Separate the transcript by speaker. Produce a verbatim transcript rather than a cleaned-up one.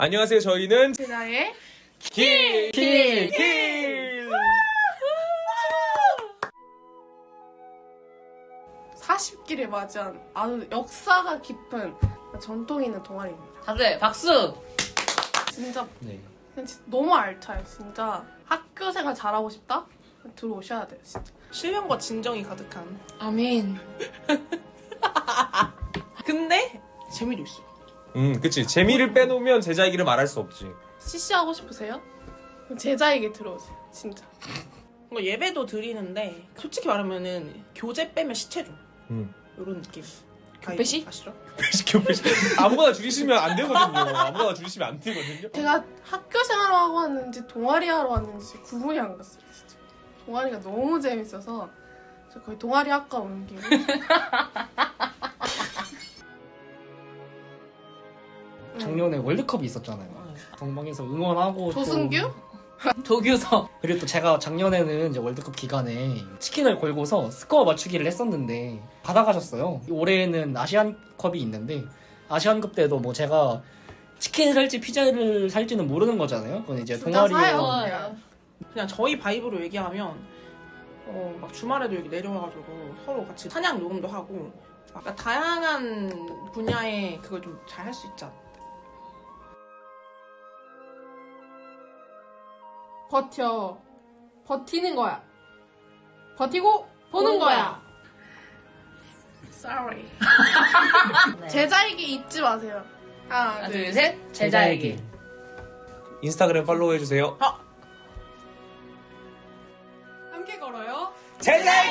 Speaker 1: 안녕하세요. 저희는
Speaker 2: 제자의
Speaker 1: 길! 길! 길!
Speaker 2: 사십 기를 맞이한 아주 역사가 깊은 전통 있는 동아리입니다.
Speaker 3: 다들 박수!
Speaker 2: 진짜
Speaker 1: 네.
Speaker 2: 그냥 진짜 너무 알차요. 진짜 학교 생활 잘하고 싶다? 들어오셔야 돼요. 진짜.
Speaker 4: 신령과 진정이 가득한.
Speaker 3: 아멘.
Speaker 4: 근데 재미도 있어.
Speaker 1: 음, 그치. 재미를 빼놓으면 제자이기를 말할 수 없지.
Speaker 2: 씨씨 하고 싶으세요? 그럼 제자에게 들어오세요. 진짜.
Speaker 4: 뭔가 예배도 드리는데 솔직히 말하면은 교재 빼면 시체죠.
Speaker 1: 음.
Speaker 4: 이런 느낌.
Speaker 3: 교배시?
Speaker 4: 아시죠?
Speaker 1: 교배시. 아무거나 줄이시면 안 되거든요. 아무거나 줄이시면 안 되거든요.
Speaker 2: 제가 학교 생활을 하고 왔는지 동아리 하러 왔는지 구분이 안 갔어요. 진짜. 동아리가 너무 재밌어서 저 거의 동아리 학과 옮기고
Speaker 5: 작년에 월드컵이 있었잖아요. 동방에서 응원하고
Speaker 2: 조승규?
Speaker 5: 또-
Speaker 3: 조규석.
Speaker 5: 그리고 또 제가 작년에는 이제 월드컵 기간에 치킨을 걸고서 스코어 맞추기를 했었는데 받아가셨어요. 올해는 아시안컵이 있는데 아시안컵 때도 뭐 제가 치킨을 살지 피자를 살지는 모르는 거잖아요. 그건 이제
Speaker 2: 둘다 사요.
Speaker 5: 동아리에
Speaker 2: 그냥.
Speaker 4: 그냥 저희 바이브로 얘기하면 어, 막 주말에도 여기 내려와가지고 서로 같이 찬양 녹음도 하고 막 다양한 분야에 그걸 좀 잘 할 수 있잖아.
Speaker 2: 버텨. 버티는 거야. 버티고 보는 거야. Sorry. 제자이기 잊지 마세요. 하나,
Speaker 3: 하나,
Speaker 2: 둘,
Speaker 3: 둘, 셋. 제자에게.
Speaker 1: 인스타그램 팔로우 해주세요.
Speaker 2: 함께 걸어요.
Speaker 1: 제자!